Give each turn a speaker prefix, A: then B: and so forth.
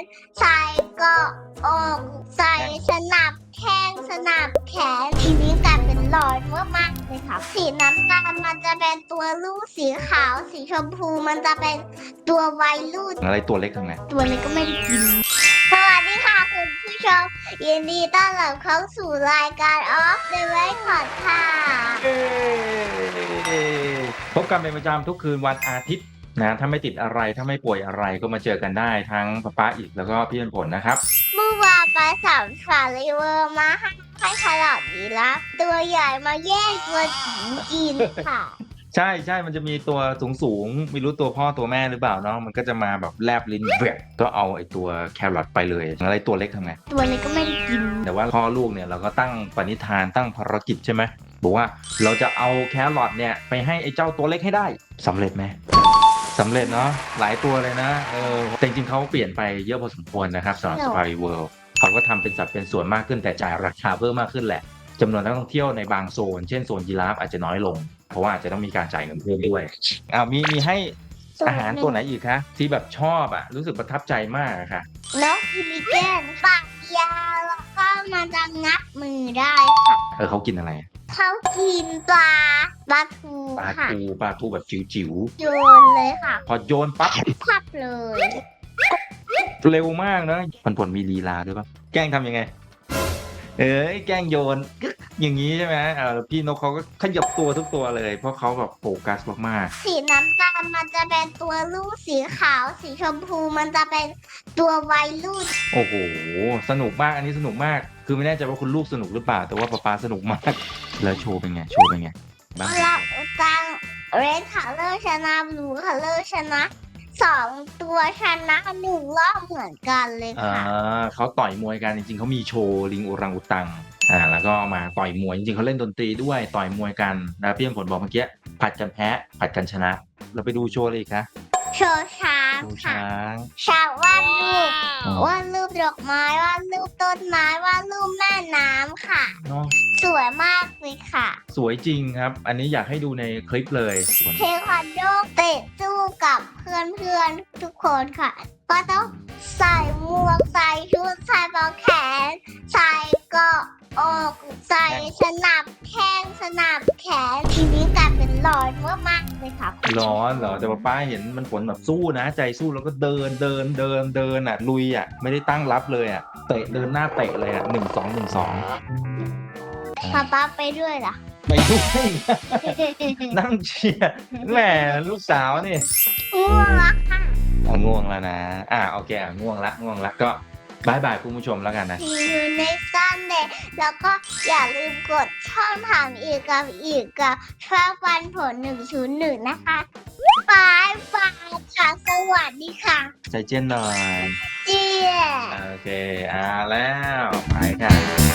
A: ใส่เกาะอกใส่สนับแข้งสนับแขนทีนี้กลายเป็นหลอดมากๆเลยค่ะสีน้ำตาลมันจะเป็นตัวลูกสีขาวสีชมพูมันจะเป็นตัววัยรุ่น
B: อะไรตัวเล็กทำไง
A: ตัวเล็กก็ไม่ได้กินสวัสดีค่ะคุณผู้ชมยินดีต้อนรับเข้าสู่รายการ Off the Record ค่ะ
B: พบกันเป็นประจำทุกคืนวันอาทิตย์นะถ้าไม่ติดอะไรถ้าไม่ป่วยอะไรก็มาเจอกันได้ทั้งป้าอีกแล้วก็พี่เป็นผลนะครับ
A: เมื่อวานไปสามสาริเวอร์มาให้ขนาดนี้แล้วตัวใหญ่มาแย่งตัวจิ๋วกินค่ะ
B: ใช่มันจะมีตัวสูงไม่รู้ตัวพ่อตัวแม่หรือเปล่าเนาะมันก็จะมาแบบแลบลิ้นแหวกก็เอาไอ้ตัวแครอทไปเลยอะไรตัวเล็กทำไง
A: ตัวเล็กก็ไม่ได้กิน
B: แต่ว่าพ่อลูกเนี่ยเราก็ตั้งปณิธานตั้งภารกิจใช่ไหมบอกว่าเราจะเอาแครอทเนี่ยไปให้ไอ้เจ้าตัวเล็กให้ได้สำเร็จไหมสำเร็จเนาะหลายตัวเลยนะแต่จริงๆเขาเปลี่ยนไปเยอะพอสมควรนะครับสำหรับ Safari World เขาก็ทำเป็นสัดเป็นส่วนมากขึ้นแต่จ่ายราคาเพิ่มมากขึ้นแหละจำนวนนักท่องเที่ยวในบางโซนเช่นโซนยีราฟอาจจะน้อยลงเพราะว่าอาจจะต้องมีการจ่ายเงินเพิ่มด้วยมีให้อาหารตัวไหนอีกคะที่แบบชอบรู้สึกประทับใจมากค่ะ
A: นกพิลิเกนปากยาวแล้วก็มันจะงับมือได้ค่ะ
B: เขากินอะไร
A: เขากินปลาทู
B: ปลา
A: ค่ะ
B: ทูแบบจิ๋ว
A: โยนเลยค่ะ
B: ๆพอโยนปั๊บ
A: พับเลย
B: เร็วมากนะผลมีลีลาด้วยปะแกล้งทำยังไงแกล้งโยนกึ๊กอย่างนี้ใช่ไหมพี่นกเขาก็ขยับตัวทุกตัวเลยเพราะเขาแบบโฟกัสมาก
A: สีน้ำตาลมันจะเป็นตัวลูกสีขาวสีชมพูมันจะเป็นตัววัยรุ่น
B: ๆโอ้โหสนุกมากอันนี้สนุกมากคือไม่แน่ใจว่าคุณลูกสนุกหรือเปล่าแต่ว่าป๊าสนุกมากแล้วโชว์เป็นไงบ้าง
A: เราจังเรดคัลเลอร์ชนะบลูคัลเลอร์ชนะสองตัวชนะหนึ่งรอบเหมือนกันเลยค่ะ
B: เขาต่อยมวยกันจริงๆเขามีโชว์ลิงโอรังอุตังแล้วก็มาต่อยมวยจริงๆเขาเล่นดนตรีด้วยต่อยมวยกันนะพี่ผลบอกเมื่อกี้ผัดกันแพ้ผัดกันชนะ เราไปดูโชว์เลยค่ะ
A: โชว์ช้าง
B: โชว์
A: ค่ะ
B: ช้าง
A: ช้างวาดรูปวาดรูปดอกไม้วาดรูปต้นไม้วาดรูปแม่น้ำค่ะ
B: เนาะ
A: สวยมากเลยค่ะ
B: สวยจริงครับ อันนี้อยากให้ดูในคลิปเลย
A: เทควันโดเตะสู้กับเพื่อนๆทุกคนค่ะ ก็ต้องใส่หมวกใส่ชุดใส่ปลอกแขน ใส่เกาะอกใส่สนับแข้งสนับแขนทีนี้กลายเป็นหลอดมากๆเลยค่ะ
B: ร้อนเหรอแต่ป้าเห็นมันผลแบบสู้นะ ใจสู้แล้วก็เดินลุยไม่ได้ตั้งรับเลยเตะเดินหน้าเตะเลย1-2
A: ป๊าไปด้วยเหรอ
B: ไม่ด้วย นั่งเชียร์แหมลูกสาวนี่
A: ง่วงแล้วค่ะ
B: ง่วงแล้วนะโอเคง่วงละก็บายบายคุณผู้ชมแล้วกันนะ
A: See you next Sunday แล้วก็อย่าลืมกดช่องทางอีกกับช่องฟันผล101นะคะบายบายค่ะสวัสดีค่ะ
B: ใจเย็นหน่อย
A: เจี๊ย
B: โอเคแล้วไปค่ะ